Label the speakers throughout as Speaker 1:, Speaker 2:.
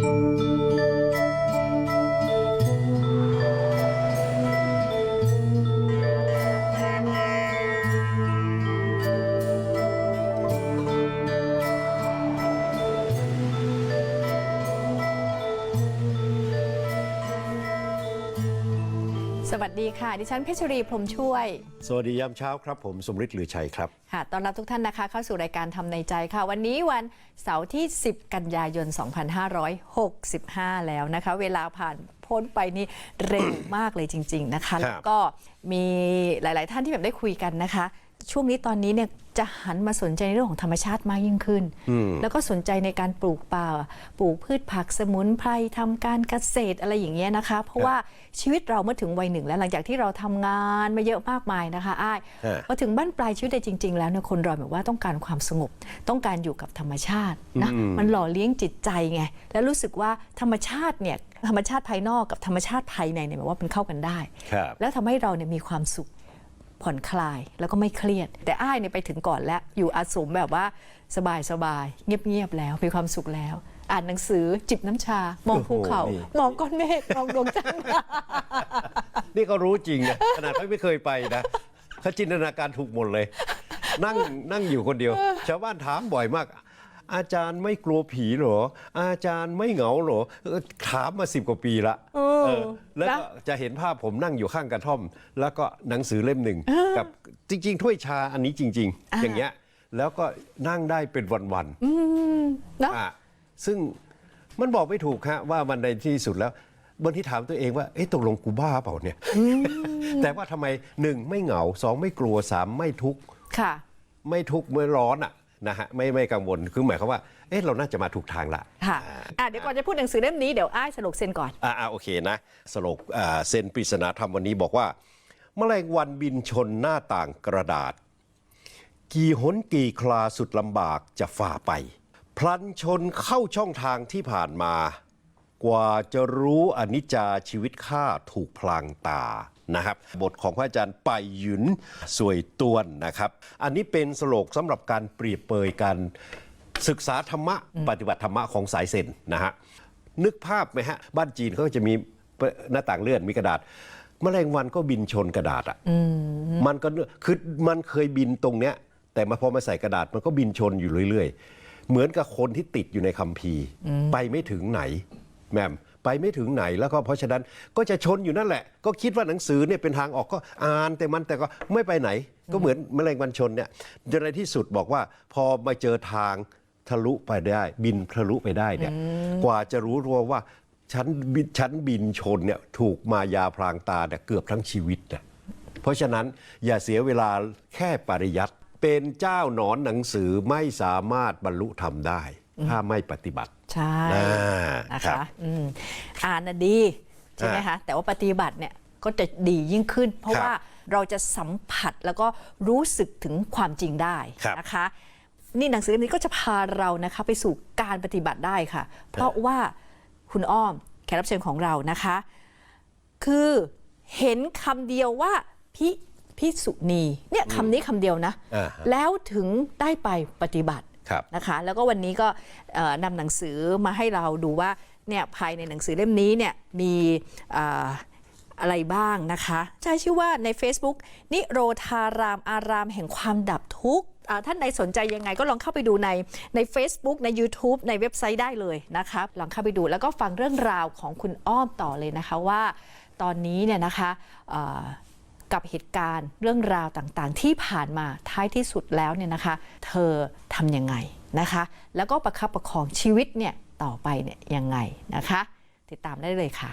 Speaker 1: สวัสดีค่ะดิฉันเพชรีพรหมช่วย
Speaker 2: สวัสดียามเช้าครับผมสมฤทธิ์ลือชัยครับ
Speaker 1: ค่ะต้อนรับทุกท่านนะคะเข้าสู่รายการทำในใจค่ะวันนี้วันเสาร์ที่10กันยายน2565แล้วนะคะเวลาผ่านพ้นไปนี่เร็วมากเลยจริงๆนะคะแล้วก็มีหลายๆท่านที่แบบได้คุยกันนะคะช่วงนี้ตอนนี้เนี่ยจะหันมาสนใจในเรื่องของธรรมชาติมากยิ่งขึ้นแล้วก็สนใจในการปลูกป่าปลูกพืชผักสมุนไพรทำการเกษตรอะไรอย่างเงี้ยนะคะเพราะว่าชีวิตเราเมื่อถึงวัยหนึ่งแล้วหลังจากที่เราทำงานมาเยอะมากมายนะคะอ้ายพอถึงบ้านปลายชีวิตจริงๆแล้วเนี่ยคนเราแบบว่าต้องการความสงบต้องการอยู่กับธรรมชาตินะมันหล่อเลี้ยงจิตใจไงแล้วรู้สึกว่าธรรมชาติเนี่ยธรรมชาติภายนอกกับธรรมชาติภายในเนี่ยแบบว่ามันเข้ากันได้แล้วทำให้เราเนี่ยมีความสุขผ่อนคลายแล้วก็ไม่เครียดแต่อ้ายเนี่ยไปถึงก่อนแล้วอยู่อาสมแบบว่าสบายเงียบแล้วมีความสุขแล้วอ่านหนังสือจิบน้ำชามองภูเขามองก้อนเมฆมองดวงจันทร์
Speaker 2: นี่ก็รู้จริงนะขนาดไม่เคยไปนะเขาจินตนาการถูกหมดเลยนั่งอยู่คนเดียวชาวบ้านถามบ่อยมากอาจารย์ไม่กลัวผีเหรออาจารย์ไม่เหงาเหรอถามมา10 กว่าปีละแล้วก็จะเห็นภาพผมนั่งอยู่ข้างกระท่อมแล้วก็หนังสือเล่มหนึ่งกับจริงๆถ้วยชาอันนี้จริงๆอย่างเงี้ยแล้วก็นั่งได้เป็นวันๆซึ่งมันบอกไม่ถูกฮะว่ามันในที่สุดแล้วบางทีถามตัวเองว่าตกลงกูบ้าเปล่าเนี่ยแต่ว่าทำไม1ไม่เหงา2ไม่กลัว3ไม่ทุกข์ไม่ทุกข์เมื่อร้อนนะฮะไม่กังวลคือหมายความว่าเราน่าจะมาถูกทางละ
Speaker 1: ค่ะเดี๋ยวก่อนจะพูดหนังสือเล่มนี้เดี๋ยวอ้ายสรุปเซ็นก่อน
Speaker 2: โอเคนะสรุปเซ็นปริศนาธรรมวันนี้บอกว่าแมลงวันบินชนหน้าต่างกระดาษกี่หนกี่คลาสุดลำบากจะฝ่าไปพลันชนเข้าช่องทางที่ผ่านมากว่าจะรู้อนิจจาชีวิตข้าถูกพลางตานะครับบทของพระอาจารย์ไปหยุนสวยตวนนะครับอันนี้เป็นสโลกสำหรับการเปรียบเปยการศึกษาธรรมะปฏิบัติธรรมะของสายเซนนะฮะนึกภาพไหมฮะบ้านจีนเขาจะมีหน้าต่างเลื่อนมีกระดาษแมลงวันก็บินชนกระดาษมันก็คือมันเคยบินตรงเนี้ยแต่พอมาใส่กระดาษมันก็บินชนอยู่เรื่อยๆเหมือนกับคนที่ติดอยู่ในคัมภีร์ไปไม่ถึงไหนแม่มไปไม่ถึงไหนแล้วก็เพราะฉะนั้นก็จะชนอยู่นั่นแหละก็คิดว่าหนังสือเนี่ยเป็นทางออกก็อ่านแต่ก็ไม่ไปไหนก็เหมือนแมลงวันชนเนี่ยจนในที่สุดบอกว่าพอมาเจอทางทะลุไปได้บินทะลุไปได้เนี่ยกว่าจะรู้ตัวว่าฉันบินชนเนี่ยถูกมายาพรางตาเนี่ยเกือบทั้งชีวิตนะเพราะฉะนั้นอย่าเสียเวลาแค่ปริยัติเป็นเจ้าหนอนหนังสือไม่สามารถบรรลุธรรมได้ถ้าไม่ปฏิบัติ
Speaker 1: ใช่นะคะอ่านดีใช่ไหมคะแต่ว่าปฏิบัติเนี่ยก็จะดียิ่งขึ้นเพราะว่าเราจะสัมผัสแล้วก็รู้สึกถึงความจริงได้นะคะนี่หนังสือเล่มนี้ก็จะพาเรานะคะไปสู่การปฏิบัติได้ค่ะเพราะว่าคุณอ้อมแขกรับเชิญของเรานะคะคือเห็นคำเดียวว่าพิสุณีเนี่ยคำนี้คำเดียวนะแล้วถึงได้ไปปฏิบัตินะคะแล้วก็วันนี้ก็นำหนังสือมาให้เราดูว่าเนี่ยภายในหนังสือเล่มนี้เนี่ยมีอะไรบ้างนะคะใช้ชื่อว่าใน Facebook นิโรธารามอารามแห่งความดับทุกข์ท่านใดสนใจยังไงก็ลองเข้าไปดูใน Facebook ใน YouTube ในเว็บไซต์ได้เลยนะคะลองเข้าไปดูแล้วก็ฟังเรื่องราวของคุณอ้อมต่อเลยนะคะว่าตอนนี้เนี่ยนะคะกับเหตุการณ์เรื่องราวต่างๆที่ผ่านมาท้ายที่สุดแล้วเนี่ยนะคะเธอทำยังไงนะคะแล้วก็ประคับประคองชีวิตเนี่ยต่อไปเนี่ยยังไงนะคะติดตามได้เลยค่ะ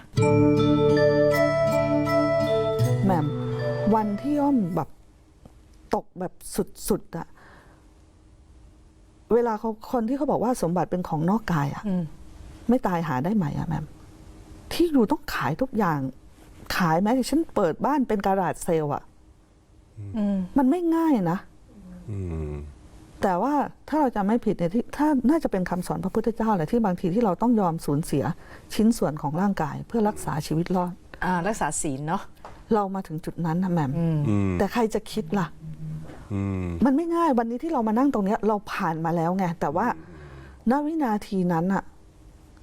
Speaker 3: แหม่มวันที่อ้อมแบบตกแบบสุดๆอะเวลาคนที่เขาบอกว่าสมบัติเป็นของนอกกายอะไม่ตายหาได้ไหมอะแหม่มที่อยู่ต้องขายทุกอย่างขายแม้แต่ฉันเปิดบ้านเป็นการาจเซลล์มันไม่ง่ายนะแต่ว่าถ้าเราจะไม่ผิดเนี่ยที่ถ้าน่าจะเป็นคำสอนพระพุทธเจ้าแหละที่บางทีที่เราต้องยอมสูญเสียชิ้นส่วนของร่างกายเพื่อรักษาชีวิตรอด
Speaker 1: รักษาศีลเนาะ
Speaker 3: เรามาถึงจุดนั้นนะแหม่มแต่ใครจะคิดล่ะมันไม่ง่ายวันนี้ที่เรามานั่งตรงนี้เราผ่านมาแล้วไงแต่ว่าณวินาทีนั้นอะ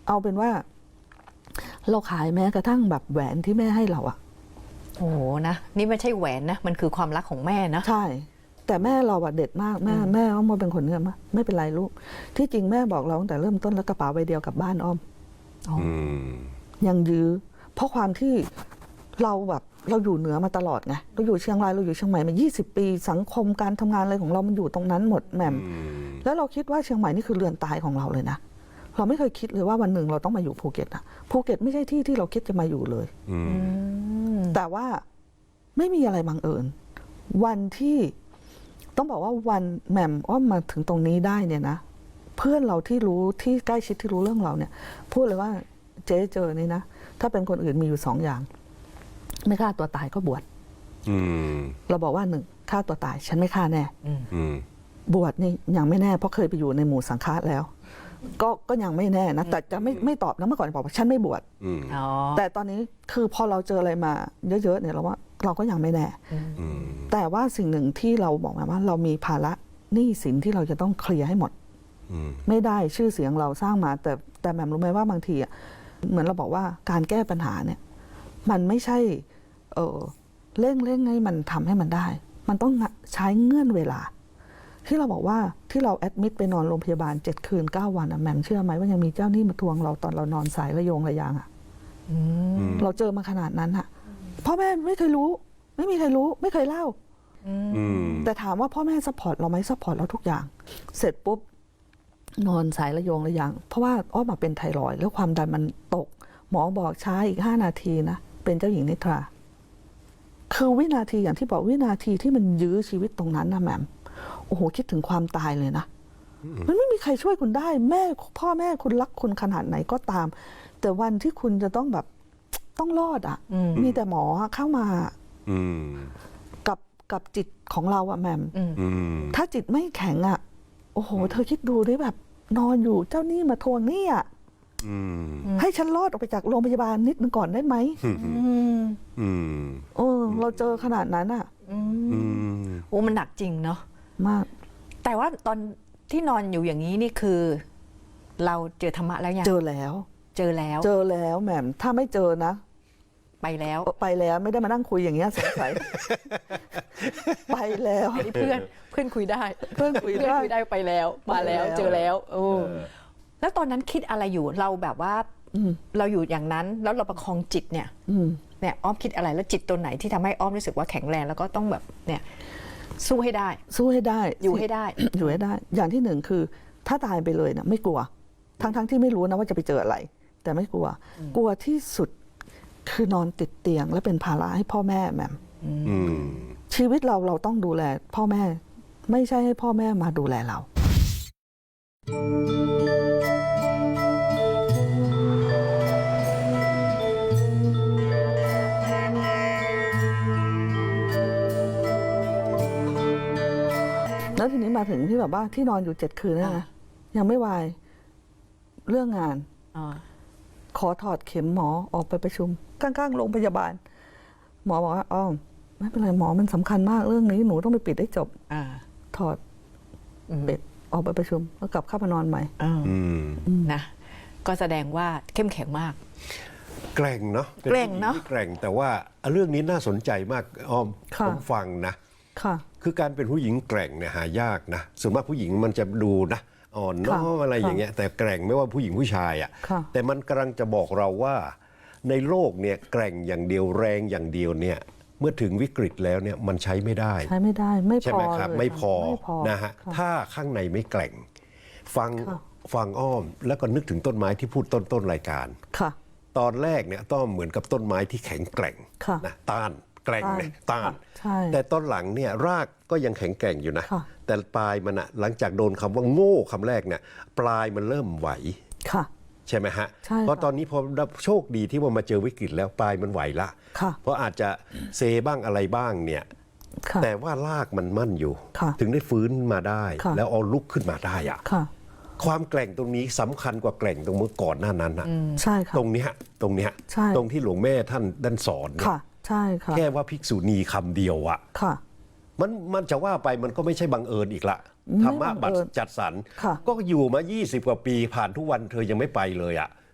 Speaker 3: เอาเป็นว่า เราขายแม้กระทั่งแบบแหวนที่แม่ให้เราอะ
Speaker 1: โอ้โหนะนี่ไม่ใช่แหวนนะมันคือความรักของแม่นะ
Speaker 3: ใช่ แต่แม่เราอะเด็ดมากแม่อ้อมเป็นคนเงี้ยมากไม่เป็นไรลูกที่จริงแม่บอกเราตั้งแต่เริ่มต้นแล้วกระเป๋าใบเดียวกลับบ้านอ้อม ยังยื้อเพราะความที่เราแบบเราอยู่เหนือมาตลอดไงเราอยู่เชียงรายเราอยู่เชียงใหม่มา20 ปีสังคมการทำงานอะไรของเรามันอยู่ตรงนั้นหมดแหม่มแล้วเราคิดว่าเชียงใหม่นี่คือเรือนตายของเราเลยนะเราไม่เคยคิดเลยว่าวันหนึ่งเราต้องมาอยู่ภูเก็ตอะภูเก็ตไม่ใช่ที่ที่เราคิดจะมาอยู่เลยแต่ว่าไม่มีอะไรบังเอิญวันที่ต้องบอกว่าวันแหม่มอ้อมมาถึงตรงนี้ได้เนี่ยนะเพื่อนเราที่รู้ที่ใกล้ชิดที่รู้เรื่องเราเนี่ยพูดเลยว่าเจ๊เจอนี่นะถ้าเป็นคนอื่นมีอยู่2 อย่างไม่ฆ่าตัวตายก็บวชเราบอกว่า1ฆ่าตัวตายฉันไม่ฆ่าแน่บวชนี่ยังไม่แน่เพราะเคยไปอยู่ในหมู่สังฆะแล้วก็ยังไม่แน่นะแต่จะไม่ตอบนะเมื่อก่อนบอกว่าฉันไม่บวชแต่ตอนนี้คือพอเราเจออะไรมาเยอะๆเนี่ยเราว่าเราก็ยังไม่แน่แต่ว่าสิ่งหนึ่งที่เราบอกมาว่าเรามีภาระหนี้สินที่เราจะต้องเคลียร์ให้หมดไม่ได้ชื่อเสียงเราสร้างมาแต่แหม่มรู้ไหมว่าบางทีอ่ะเหมือนเราบอกว่าการแก้ปัญหาเนี่ยมันไม่ใช่เร่งให้มันทำให้มันได้มันต้องใช้เงื่อนเวลาที่เราบอกว่าที่เราแอดมิดไปนอนโรงพยาบาล7 คืน 9 วันอ่ะแหม่มเชื่อไหมว่ายังมีเจ้าหนี้มาทวงเราตอนเรานอนสายระยงระยางอ่ะเราเจอมาขนาดนั้นอ่ะพ่อแม่ไม่เคยรู้ไม่มีใครรู้ไม่เคยเล่าแต่ถามว่าพ่อแม่ซัพพอร์ตเราไหมซัพพอร์ตเราทุกอย่างเสร็จปุ๊บนอนสายระยงระยางเพราะว่าอ้อมาเป็นไทรอยด์แล้วความดันมันตกหมอบอกช้าอีก5 นาทีนะเป็นเจ้าหญิงนิทราคือวินาทีอย่างที่บอกวินาทีที่มันยื้อชีวิตตรงนั้นนะแหม่มโอ้โหคิดถึงความตายเลยนะมันไม่มีใครช่วยคุณได้แม่พ่อแม่คุณรักคุณขนาดไหนก็ตามแต่วันที่คุณจะต้องแบบต้องรอดอ่ะมีแต่หมอเข้ามากับจิตของเราอะแหม่มถ้าจิตไม่แข็งอะโอ้โหเธอคิดดูได้แบบนอนอยู่เจ้าหนี้มาทวงหนี้อะให้ฉันรอดออกไปจากโรงพยาบาลนิดนึงก่อนได้ไหมเราเจอขนาดนั้นอะ
Speaker 1: โอ้มันหนักจริงเนาะ
Speaker 3: มาก
Speaker 1: แต่ว่าตอนที่นอนอยู่อย่างนี้นี่คือ เราเจอธรรมะแล้วยัง
Speaker 3: เจอแล้วแหม่มถ้าไม่เจอนะ
Speaker 1: ไปแล้ว
Speaker 3: ไม่ได้มานั่งคุยอย่างเงี้ยสงสัย ไปแล้ว
Speaker 1: เพื่อนคุยได้ไปแล้วมาแล้วเจอแล้วแล้วตอนนั้นคิดอะไรอยู่เราแบบว่าเราอยู่อย่างนั้นแล้วเราประคองจิตเนี่ยอ้อมคิดอะไรแล้วจิตตัวไหนที่ทำให้อ้อมรู้สึกว่าแข็งแรงแล้วก็ต้องแบบเนี่ยสู้ให้ได้อยู่ให้ได้
Speaker 3: อย่างที่1คือถ้าตายไปเลยนะไม่กลัวทั้งที่ไม่รู้นะว่าจะไปเจออะไรแต่ไม่กลัวที่สุดคือนอนติดเตียงและเป็นภาระให้พ่อแม่แหม่มชีวิตเราต้องดูแลพ่อแม่ไม่ใช่ให้พ่อแม่มาดูแลเราแล้วทีนี้มาถึงที่แบบว่าที่นอนอยู่7 คืนนะยังไม่วายเรื่องงานขอถอดเข็มหมอออกไปประชุมข้างๆโรงพยาบาลหมอบอกว่าอ้อมไม่เป็นไรหมอมันสำคัญมากเรื่องนี้หนูต้องไปปิดให้จบถอดปิดออกไปประชุมแล้วกลับเข้ามานอนใหม่
Speaker 1: นะก็แสดงว่าเข้มแข็งมาก
Speaker 2: แกร่งเนาะแกร่งแต่ว่าเรื่องนี้น่าสนใจมากอ้อมผมฟังนะคือการเป็นผู้หญิงแกร่งเนี่ยหายากนะส่วนมากผู้หญิงมันจะดูนะอ่อนน้อมอะไรอย่างเงี้ยแต่แกร่งไม่ว่าผู้หญิงผู้ชายอ่ะแต่มันกำลังจะบอกเราว่าในโลกเนี่ยแกร่งอย่างเดียวแรงอย่างเดียวเนี่ยเมื่อถึงวิกฤตแล้วเนี่ยมันใช้ไม่ได้
Speaker 3: ไม่พอ
Speaker 2: ใช่ไหมครับไม่พอนะฮะถ้าข้างในไม่แกร่งฟังอ้อมแล้วก็นึกถึงต้นไม้ที่พูดต้นรายการตอนแรกเนี่ยต้องเหมือนกับต้นไม้ที่แข็งแกร่งนะต้านแกร่งเนี่ยต้านแต่ตอนหลังเนี่ยรากก็ยังแข็งแกร่งอยู่นะแต่ปลายมันอะหลังจากโดนคำว่าโง่คำแรกเนี่ยปลายมันเริ่มไหวใช่ไหมฮะเพราะตอนนี้พอโชคดีที่ว่ามาเจอวิกฤตแล้วปลายมันไหวละเพราะอาจจะเซบ้างอะไรบ้างเนี่ยแต่ว่ารากมันมั่นอยู่ถึงได้ฟื้นมาได้แล้วเอาลุกขึ้นมาได้อะความแกร่งตรงนี้สำคัญกว่าแกร่งตรงเมื่อก่อนหน้านั้นนะตรงนี้ตรงที่หลวงแม่ท่านสอนแค่ว่าภิกษุณีคำเดียวอะมันจะว่าไปมันก็ไม่ใช่บังเอิญอีกละธรรมะบัตรจัดสรรก็อยู่มา20 กว่าปีผ่านทุกวันเธอยังไม่ไปเลยอะ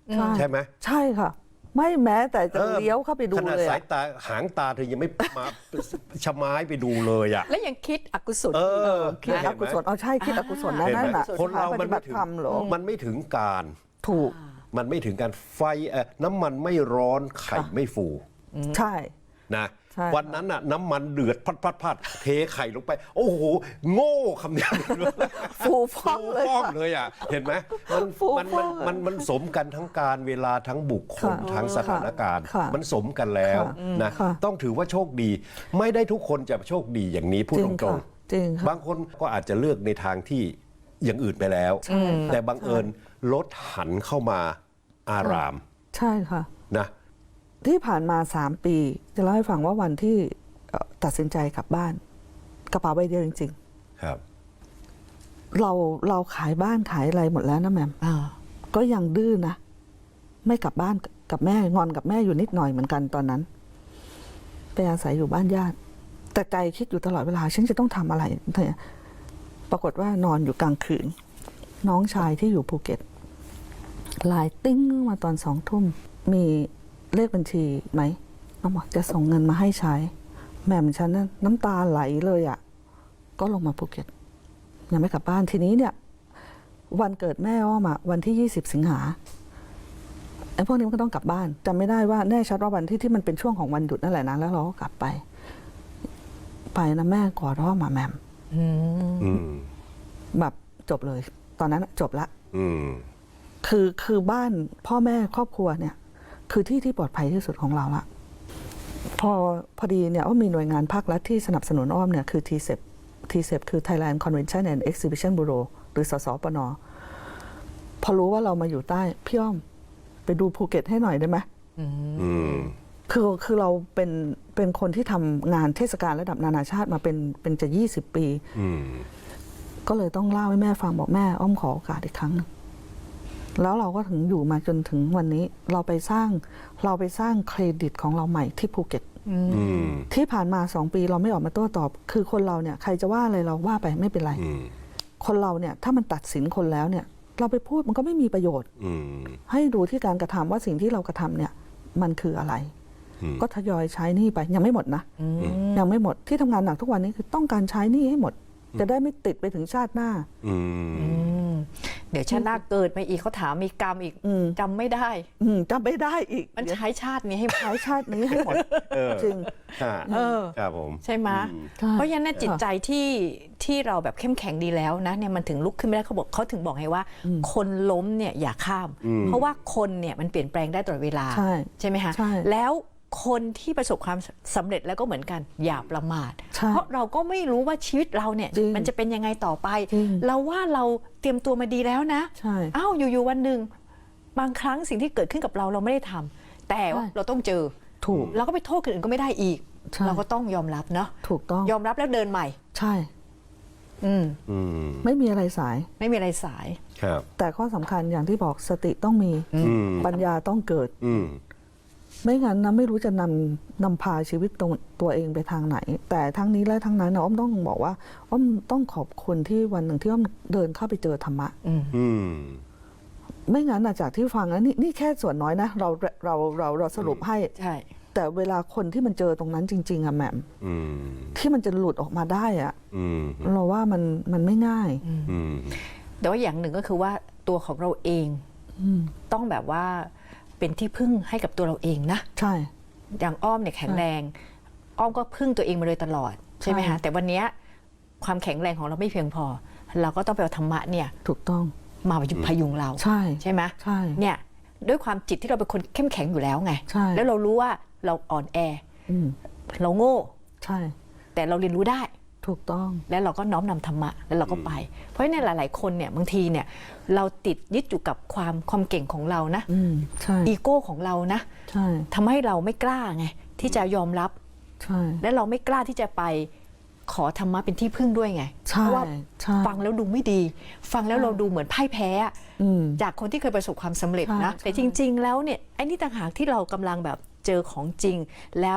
Speaker 2: ใช่ไหม
Speaker 3: ใช่ค่ะ ไม่แม้แต่จะเลี้ยวเข้าไปดู
Speaker 2: ขนาด
Speaker 3: เลย
Speaker 2: สายตาหางตาเธอยังไม่มาชะม้ายไปดูเลยอ่ะ
Speaker 1: และยังคิดอกุศล
Speaker 3: คิดอกุศลใช่คิดอกุศลนะ
Speaker 2: เห็น
Speaker 3: นั่
Speaker 2: ไหม
Speaker 3: นน่ะ
Speaker 2: คนเรามันไม่ถึง
Speaker 3: ธรรมเหรอ
Speaker 2: มันไม่ถึงการ
Speaker 3: ถูก
Speaker 2: มันไม่ถึงการไฟน้ำมันไม่ร้อนไข่ไม่ฟู
Speaker 3: ใช่
Speaker 2: นะ
Speaker 3: ใช่
Speaker 2: วันนั้นน่ะน้ำมันเดือดพัดเทไข่ลงไป โอ้โหโง่คำนี้
Speaker 3: ฟูฟ่องเลย
Speaker 2: ฟ้องเลยอ่ะเห็นไหมมัน
Speaker 3: ฟู
Speaker 2: มัน
Speaker 3: ฟ่
Speaker 2: มั
Speaker 3: อน ง
Speaker 2: มันสมกันทั้งการเวลาทั้งบุคคล
Speaker 3: ค่ะ
Speaker 2: ทั้งสถานการณ์
Speaker 3: ค่ะ
Speaker 2: มันสมกันแล้ว
Speaker 3: ค่ะ
Speaker 2: นะ
Speaker 3: ค่ะ
Speaker 2: ต้องถือว่าโชคดี ไม่ได้ทุกคนจะโชคดีอย่างนี้พูด
Speaker 3: จริ
Speaker 2: ต
Speaker 3: ง
Speaker 2: ร
Speaker 3: ค่ะ
Speaker 2: ง
Speaker 3: จริง
Speaker 2: ๆ
Speaker 3: ค่ะ
Speaker 2: บางคนก็อาจจะเลือกในทางที่อย่างอื่นไปแล้ว แต่บังเอิญรถหันเข้ามาอาราม
Speaker 3: ใช่ค่ะ
Speaker 2: นะ
Speaker 3: ที่ผ่านมา3 ปีจะเล่าให้ฟังว่าวันที่ตัดสินใจกลับบ้าน กระเป๋าใบเดียวจริง
Speaker 2: ครับ
Speaker 3: ๆ เราขายบ้านขายอะไรหมดแล้วนะแหม่ม ก็ยังดื้อนะ ไม่กลับบ้านกับแม่งอนกับแม่อยู่นิดหน่อยเหมือนกันตอนนั้น ไปอาศัยอยู่บ้านญาติ แต่ใจคิดอยู่ตลอดเวลาฉันจะต้องทำอะไรเนี่ยปรากฏว่านอนอยู่กลางคืน น้องชายที่อยู่ภูเก็ตไลน์ติ้งมาตอน2 ทุ่มมีเลขบัญชีไหมน้องบอกจะส่งเงินมาให้ใช้แม่ฉันนั้นน้ำตาไหลเลยอ่ะก็ลงมาภูเก็ตยังไม่กลับบ้านทีนี้เนี่ย วันเกิดแม่อ้อมอะวันที่20 สิงหาไอ้พวกนี้มันก็ต้องกลับบ้านจำไม่ได้ว่าแน่ชัดว่าวันที่มันเป็นช่วงของวันหยุดนั่นแหละนะแล้วเราก็กลับไปนะแม่กอดอ้อมมาแหม่ม
Speaker 2: อืม
Speaker 3: แบบจบเลย ตอนนั้นจบละ
Speaker 2: อืม
Speaker 3: คือบ้านพ่อแม่ครอบครัวเนี่ย คือที่ปลอดภัยที่สุดของเราละพอดีเนี่ยว่ามีหน่วยงานภาครัฐที่สนับสนุนอ้อมเนี่ยคือ TCEP คือ Thailand Convention and Exhibition Bureau หรือสสปน.พอรู้ว่าเรามาอยู่ใต้พี่อ้อมไปดูภูเก็ตให้หน่อยได้ไหม
Speaker 2: อืม
Speaker 3: คือเราเป็นคนที่ทำงานเทศกาลระดับนานาชาติมาเป็นจะ20 ปี
Speaker 2: อืม
Speaker 3: ก็เลยต้องเล่าให้แม่ฟังบอกแม่อ้อมขอโอกาสอีกครั้งหนึงแล้วเราก็ถึงอยู่มาจนถึงวันนี้เราไปสร้างเครดิตของเราใหม่ที่ภูเก็ต
Speaker 2: อืม
Speaker 3: ที่ผ่านมา2 ปีเราไม่ออกมาโต้ตอบ คือคนเราเนี่ยใครจะว่าอะไรเราว่าไปไม่เป็นไร
Speaker 2: อืม
Speaker 3: คนเราเนี่ยถ้ามันตัดสินคนแล้วเนี่ยเราไปพูดมันก็ไม่มีประโยชน์
Speaker 2: อืม
Speaker 3: ให้ดูที่การกระทำว่าสิ่งที่เรากระทำเนี่ยมันคืออะไร
Speaker 2: อืม
Speaker 3: ก็ทยอยใช้หนี้ไปยังไม่หมดนะยังไม่หมดที่ทำงานหนักทุกวันนี้คือต้องการใช้หนี้ให้หมด จะได้ไม่ติดไปถึงชาติหน้า
Speaker 2: อืม
Speaker 1: เดี๋ยวชาติหน้าเกิดมาอีกเขาถามมีกรรมอีกจำไม่ได้
Speaker 3: จำไม่ได้อีก
Speaker 1: มันใช้ชาตินี้ให้
Speaker 3: ใช้ชาตินี้ให้หมดจริง
Speaker 2: ครับผม
Speaker 1: ใช่ไหม
Speaker 3: ใช่
Speaker 1: เพราะฉะนั้นจิตใจที่เราแบบเข้มแข็งดีแล้วนะเนี่ยมันถึงลุกขึ้นไม่ได้เขาถึงบอกให้ว่า คนล้มเนี่ยอย่าข้าม เพราะว่าคนเนี่ยมันเปลี่ยนแปลงได้ตลอดเวลา
Speaker 3: ใช่
Speaker 1: ไหมคะ
Speaker 3: ใช่
Speaker 1: แล้วคนที่ประสบความสำเร็จแล้วก็เหมือนกันอย่าประมาท
Speaker 3: ใช่
Speaker 1: เพราะเราก็ไม่รู้ว่าชีวิตเราเนี่ย
Speaker 3: จริง
Speaker 1: มันจะเป็นยังไงต่อไป
Speaker 3: จริง
Speaker 1: เราว่าเราเตรียมตัวมาดีแล้วนะ
Speaker 3: ใช่
Speaker 1: อ้าวอยู่ๆวันหนึ่งบางครั้งสิ่งที่เกิดขึ้นกับเราไม่ได้ทำแต่ว่า
Speaker 3: ใช่
Speaker 1: เราต้องเจอ
Speaker 3: ถูก
Speaker 1: เราก็ไปโทษคนอื่นก็ไม่ได้อีก
Speaker 3: ใช่
Speaker 1: เราก็ต้องยอมรับเนาะ
Speaker 3: ถูกต้อง
Speaker 1: ยอมรับแล้วเดินใหม่
Speaker 3: ใช่
Speaker 1: อืม
Speaker 2: อืม
Speaker 3: ไม่มีอะไรสาย
Speaker 1: ไม่มีอะไรสาย
Speaker 2: ครับ
Speaker 3: แต่ข้อสำคัญอย่างที่บอกสติต้องมี
Speaker 2: อืม
Speaker 3: ปัญญาต้องเกิด
Speaker 2: อืม
Speaker 3: ไม่งั้นนะไม่รู้จะนำพาชีวิตตัวเองไปทางไหน แต่ทั้งนี้และทั้งนั้นนะอ้อมต้องบอกว่าอ้อมต้องขอบคุณที่วันหนึ่งที่อ้อมเดินเข้าไปเจอธรรมะ
Speaker 2: อืม
Speaker 3: ไม่งั้นนะจากที่ฟังแล้วนี่แค่ส่วนน้อยนะเราสรุปให้
Speaker 1: ใช่
Speaker 3: แต่เวลาคนที่มันเจอตรงนั้นจริง ๆอะแหม่ม
Speaker 2: อืม
Speaker 3: ที่มันจะหลุดออกมาได้อะ
Speaker 2: อืม
Speaker 3: เราว่ามันไม่ง่าย
Speaker 2: อืม
Speaker 1: แต่ว่าอย่างหนึ่งก็คือว่าตัวของเราเองต้องแบบว่าเป็นที่พึ่งให้กับตัวเราเองนะ
Speaker 3: ใช่
Speaker 1: อย่างอ้อมเนี่ยแข็งแรง อ้อมก็พึ่งตัวเองมาโดยตลอดใช่ไหม
Speaker 3: ใช่
Speaker 1: คะแต่วันเนี้ยความแข็งแรงของเราไม่เพียงพอ เราก็ต้องไปเอาธรรมะเนี่ย
Speaker 3: ถูกต้อง
Speaker 1: มาพยุงเรา
Speaker 3: ใช่
Speaker 1: ไหม
Speaker 3: ใช่
Speaker 1: เนี่ยด้วยความจิตที่เราเป็นคนเข้มแข็งอยู่แล้วไง
Speaker 3: ใช่
Speaker 1: แล้วเรารู้ว่าเราอ่อนแอ
Speaker 3: อืม
Speaker 1: เราโง่
Speaker 3: ใช่
Speaker 1: แต่เราเรียนรู้ได้
Speaker 3: ถูกต้อง
Speaker 1: แล้วเราก็น้อมนำธรรมะแล้วเราก็ไป เพราะฉะนั้นหลาย ๆ คนเนี่ยบางทีเนี่ยเราติดยึดอยู่กับความเก่งของเรานะ
Speaker 3: ใช่
Speaker 1: อีโก้ของเรานะ
Speaker 3: ใช่
Speaker 1: ทำให้เราไม่กล้าไงที่จะยอมรับ
Speaker 3: ใช่
Speaker 1: และเราไม่กล้าที่จะไปขอธรรมะเป็นที่พึ่งด้วยไง
Speaker 3: ใช่
Speaker 1: เพราะว่า
Speaker 3: ใช่
Speaker 1: ฟังแล้วดูไม่ดี ฟังแล้วเราดูเหมือนพ่ายแพ้อะ
Speaker 3: อืม
Speaker 1: จากคนที่เคยประสบความสำเร็จนะ
Speaker 3: ใช่
Speaker 1: แต่จริง ๆ แล้วเนี่ยไอ้นี่ต่างหากที่เรากำลังแบบเจอของจริง แล้ว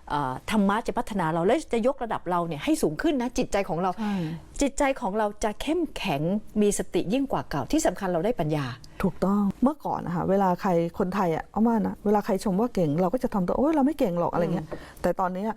Speaker 1: ธรรมะจะพัฒนาเราและจะยกระดับเราเนี่ยให้สูงขึ้นนะจิตใจของเรา
Speaker 3: ใช่
Speaker 1: จิตใจของเราจะเข้มแข็งมีสติยิ่งกว่าเก่าที่สำคัญเราได้ปัญญา
Speaker 3: ถูกต้องเมื่อก่อนนะคะเวลาใครคนไทยอ่ะเอามานะเวลาใครชมว่าเก่งเราก็จะทำตัวโอ๊ยเราไม่เก่งหรอกอะไรเงี้ยแต่ตอนนี้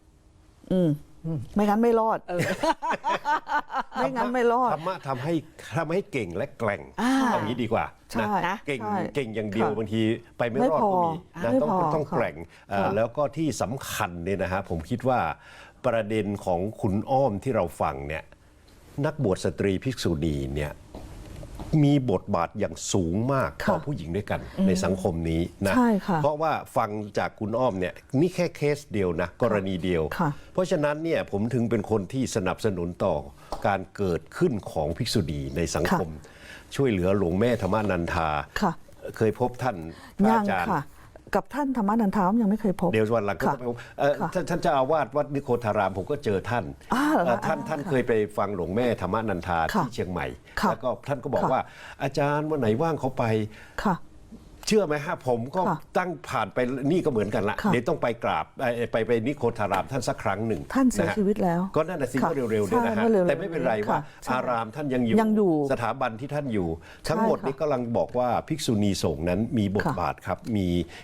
Speaker 3: ไม่งั้นไม่รอดไม่งั้นไม่รอด
Speaker 2: ธรรมะทำให้เก่งและแกร่งเอางี้ดีกว่า
Speaker 3: ใช่
Speaker 2: นะเก่ง
Speaker 3: ใช่
Speaker 2: เก่งอย่างเดียว
Speaker 3: ค่ะ
Speaker 2: บางทีไปไม่
Speaker 3: ไม่
Speaker 2: รอด
Speaker 3: พอ
Speaker 2: ก็มีนะ
Speaker 3: ไม่
Speaker 2: ต้อง
Speaker 3: พอ
Speaker 2: ต้อง
Speaker 3: ค่ะ
Speaker 2: แกร่ง
Speaker 3: ค่ะ
Speaker 2: แล้วก็ที่สำคัญเนี่ยนะฮะผมคิดว่าประเด็นของคุณอ้อมที่เราฟังเนี่ยนักบวชสตรีภิกษุณีเนี่ยมีบทบาทอย่างสูงมากต่อ
Speaker 3: ค่ะ
Speaker 2: ผู้หญิงด้วยกันในสังคมนี้นะ
Speaker 3: ใช่ค่ะ
Speaker 2: เพราะว่าฟังจากคุณอ้อมเนี่ยนี่แค่เคสเดียวนะกรณีเดียว
Speaker 3: ค่ะ
Speaker 2: เพราะฉะนั้นเนี่ยผมถึงเป็นคนที่สนับสนุนต่อการเกิดขึ้นของภิกษุณีในสังคม ช่วยเหลือหลวงแม่ธรรมานันทา
Speaker 3: ค่ะ
Speaker 2: เคยพบท่านพระ
Speaker 3: ยัง
Speaker 2: อาจารย์
Speaker 3: ค่ะ กับท่านธรรมนันทามยังไม่เคยพบ
Speaker 2: เดี๋ยววันหลังก็
Speaker 3: ค่ะ
Speaker 2: ไปพบ
Speaker 3: ค่ะ
Speaker 2: ท่านเจ้าอาวาสวัดนิโคธารามผมก็เจอท่าน
Speaker 3: เหรอคะ
Speaker 2: ท่านเคยไปฟังหลวงแม่ธรรมานันทา
Speaker 3: ค่ะ
Speaker 2: ที่เชียงใหม่
Speaker 3: ค่ะ
Speaker 2: แล้วก็ท่านก็บอก
Speaker 3: ค่ะ
Speaker 2: ว่าอาจารย์วันไหนว่างเขาไป
Speaker 3: ค่ะ
Speaker 2: เชื่อไหมฮะผมก็
Speaker 3: ค่ะ
Speaker 2: ตั้งผ่านไปนี่ก็เหมือนกันละ
Speaker 3: ค่ะ
Speaker 2: เดี๋ยวต้องไปกราบไปนิโคธารามท่านสักครั้งหนึ่ง
Speaker 3: ท่านเสีย
Speaker 2: ะฮะ
Speaker 3: ชีวิตแล้ว
Speaker 2: ก็นั่นน่ะสิ
Speaker 3: ค่ะ
Speaker 2: ก็เร็วๆเนี่ยนะ
Speaker 3: ใช่
Speaker 2: ฮะ
Speaker 3: เมื่อเร็วๆ
Speaker 2: แต่ไม่เป็นไรว่า
Speaker 3: ค่ะใช่
Speaker 2: อารามท่านยังอยู่
Speaker 3: ยังอยู่
Speaker 2: สถาบันที่ท่านอยู่ ทั้งหมด
Speaker 3: ใช่ค่ะ
Speaker 2: นี้กำลังบอกว่าภิกษุณีสงฆ์นั้นมีบท
Speaker 3: ค่ะ
Speaker 2: บาทครับมี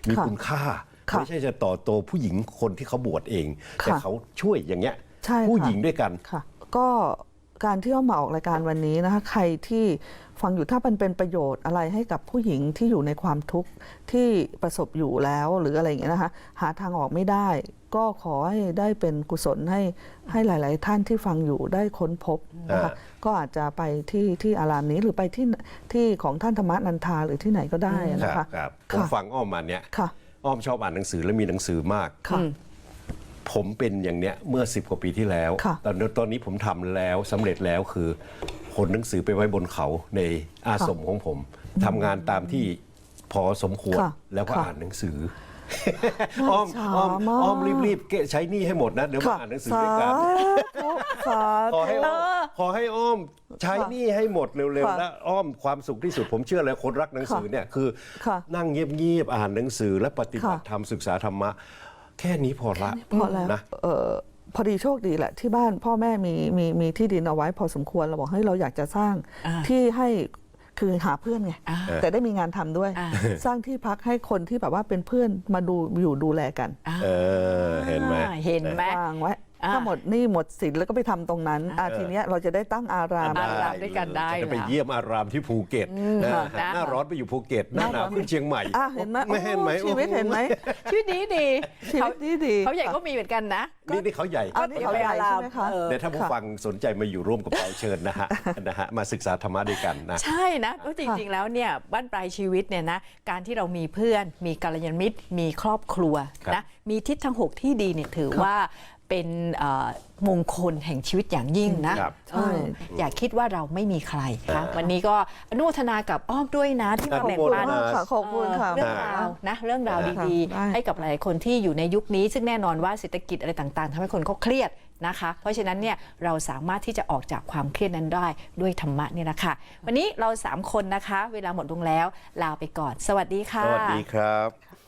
Speaker 3: ค่ะ
Speaker 2: คุณค่า
Speaker 3: ค่ะ
Speaker 2: ไม่ใช่จะต่อโตผู้หญิงคนที่เขาบวชเอง แต่
Speaker 3: ค่ะ
Speaker 2: เขาช่วยอย่างเงี้ย
Speaker 3: ใช่ค่ะ
Speaker 2: ผู้หญิงด้วยกัน
Speaker 3: ค่ะ ก็การที่เอามาออกรายการวันนี้นะคะใครที่ฟังอยู่ถ้ามันเป็นประโยชน์อะไรให้กับผู้หญิงที่อยู่ในความทุกข์ที่ประสบอยู่แล้วหรืออะไรอย่างเงี้ยนะคะหาทางออกไม่ได้ ก็ขอให้ได้เป็นกุศลให้หลาย ๆ ท่านที่ฟังอยู่ได้ค้นพบนะคะก็อาจจะไปที่อารามนี้หรือไปที่ของท่านธรรมนันทาหรือที่ไหนก็ได้นะ
Speaker 2: ครั
Speaker 3: คะ
Speaker 2: บครับผมฟังอ้อมมาเนี่ย
Speaker 3: ค่ะ
Speaker 2: อ้อมชอบอ่านหนังสือและมีหนังสือมาก
Speaker 3: ค่ะ
Speaker 2: ผมเป็นอย่างเนี้ยเมื่อ10 กว่าปีที่แล้ว
Speaker 3: ค่ะ
Speaker 2: ตอนนี้ผมทำแล้วสำเร็จแล้วคือขนหนังสือไปไว้บนเขาในอาสมของผมทำงานตามที่พอสมควร
Speaker 3: ค่ะ
Speaker 2: แล้วก็
Speaker 3: ค่ะ
Speaker 2: อ่านหนังสือ
Speaker 3: น่า
Speaker 2: อ้อม
Speaker 3: ช้า
Speaker 2: อ้อม
Speaker 3: มาก
Speaker 2: อ้อมรีบๆใช้หนี่ให้หมดนะเดี๋ยวมา
Speaker 3: ค่ะ
Speaker 2: อ่านหนังสือด้วยกัน
Speaker 3: สา
Speaker 2: ขอ
Speaker 3: ธุ
Speaker 2: ให้อ้อมขอให้อ้อมใช้หนี่ให้หมดเร็วๆ
Speaker 3: ค่ะ
Speaker 2: และอ้อมความสุขที่สุดผมเชื่อเลยคนรักหนังสือเนี่ยคือ
Speaker 3: ค่ะ
Speaker 2: นั่งเงียบๆอ่านหนังสือและปฏิบัติธรรมศึกษาธรรมะแค่นี้พอละ
Speaker 3: พอแล้ว
Speaker 2: นะ
Speaker 3: พอดีโชคดีแหละที่บ้านพ่อแม่มีที่ดินเอาไว้พอสมควรเราบอกเฮ้ยเราอยากจะสร้างที่ให้คือหาเพื่อนไงแต่ได้มีงานทำด้วย สร้างที่พักให้คนที่แบบว่าเป็นเพื่อนมาดูแลกัน
Speaker 2: เห็นไหม
Speaker 1: เห็นไหม
Speaker 3: วางไว้
Speaker 1: อ่า
Speaker 3: ถ้าหมดหนี่หมดสินแล้วก็ไปทำตรงนั้นทีเนี้ยเราจะได้ตั้งอาราม
Speaker 1: อารามด้วยกันได้
Speaker 2: จะไป
Speaker 1: เหรอ
Speaker 2: เยี่ยมอารามที่ภูเก็ตนะ
Speaker 1: นะ
Speaker 2: หน้าร้อนไปอยู่ภูเก็ตหน้าหนาวขึ้นเชียงใหม่
Speaker 3: เห็นไหม
Speaker 2: ไม่เห็นไหม
Speaker 3: โอ้ชีวิตเห็นไหม
Speaker 1: ชีวิตดีดี
Speaker 3: ชีวิตดีๆ
Speaker 1: เขาใหญ่ก็มีเหมือนกันนะ
Speaker 2: นี่เขาใหญ่
Speaker 3: อันนี้เขาใหญ่ใช่ไหมคะ
Speaker 2: เดี๋ยวถ้าผู้ฟังสนใจมาอยู่ร่วมกับเราเชิญนะฮะมาศึกษาธรรมะด้วยกันนะ
Speaker 1: ใช่นะเพราะจริงๆ แล้วเนี่ยบ้านปลายชีวิตเนี่ยนะการที่เรามีเพื่อนมีกัลยาณมิตรมีครอบครัว
Speaker 2: ครับ
Speaker 1: นะมีทิศทั้ง 6 ที่ดีเนี่ยถือว่าเป็นมงคลแห่งชีวิตอย่างยิ่งนะครับ อย่าคิดว่าเราไม่มีใครค่ะวันนี้ก็อนุโมทนากับอ้อมด้วยนะที่มาแบ่งปัน
Speaker 3: ขอบคุณค่ะ
Speaker 1: เรื่องราวนะเรื่องราวดี
Speaker 3: ได้
Speaker 1: ๆ ให้กับหลายคนที่อยู่ในยุคนี้ ซึ่งแน่นอนว่าเศรษฐกิจอะไรต่างๆทำให้คนเขาเครียดนะคะ เพราะฉะนั้นเนี่ยเราสามารถที่จะออกจากความเครียดนั้นได้ด้วยธรรมะเนี่ยนะคะวันนี้เรา3คนนะคะ เวลาหมดลงแล้วลาไปก่อน สวัสดีค่ะ
Speaker 2: สวัสดีครับ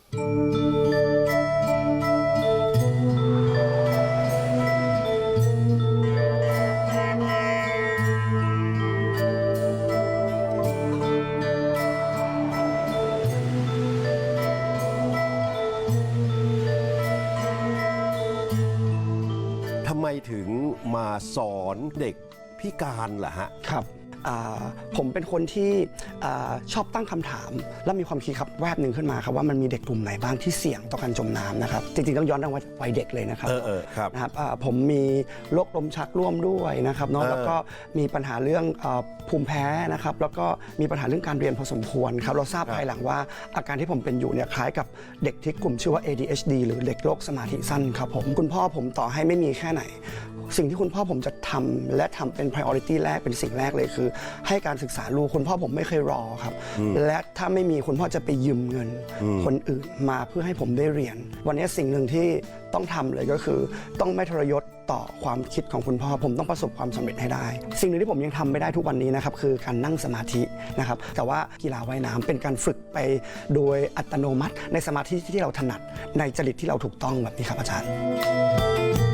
Speaker 2: ทำไมถึงมาสอนเด็กพิการล่ะฮะ
Speaker 4: ครับผมเป็นคนที่ชอบตั้งคำถาม และมีความคิดครับแวบหนึ่งขึ้นมาครับว่ามันมีเด็กกลุ่มไหนบ้างที่เสี่ยงต่อการจมน้ำนะครับจริงๆต้องย้อนไปวัยเด็กเลยนะครับ
Speaker 2: ครับ
Speaker 4: นะครับผมมีโรคลมชักร่วมด้วยนะครับเนาะแล้วก็มีปัญหาเรื่องภูมิแพ้นะครับแล้วก็มีปัญหาเรื่องการเรียนพอสมควรครับเราทราบภายหลังว่าอาการที่ผมเป็นอยู่เนี่ยคล้ายกับเด็กที่กลุ่มชื่อว่า ADHD หรือเด็กโรคสมาธิสั้นครับผมคุณพ่อผมต่อให้ไม่มีแค่ไหน สิ่งที่คุณพ่อผมจะทำและทำเป็น priority แรกเป็นสิ่งแรกเลยคือให้การศึกษาลูกคุณพ่อผมไม่เคยรอครับและถ้าไม่มีคุณพ่อจะไปยืมเงินคนอื่นมาเพื่อให้ผมได้เรียน วันนี้สิ่งหนึ่งที่ต้องทำเลยก็คือต้องไม่ทรยศต่อความคิดของคุณพ่อผมต้องประสบความสำเร็จให้ได้สิ่งหนึ่งที่ผมยังทำไม่ได้ทุกวันนี้นะครับคือการนั่งสมาธินะครับแต่ว่ากีฬาว่ายน้ำเป็นการฝึกไปโดยอัตโนมัติในสมาธิที่เราถนัดในจริตที่เราถูกต้องแบบนี้ครับอาจารย์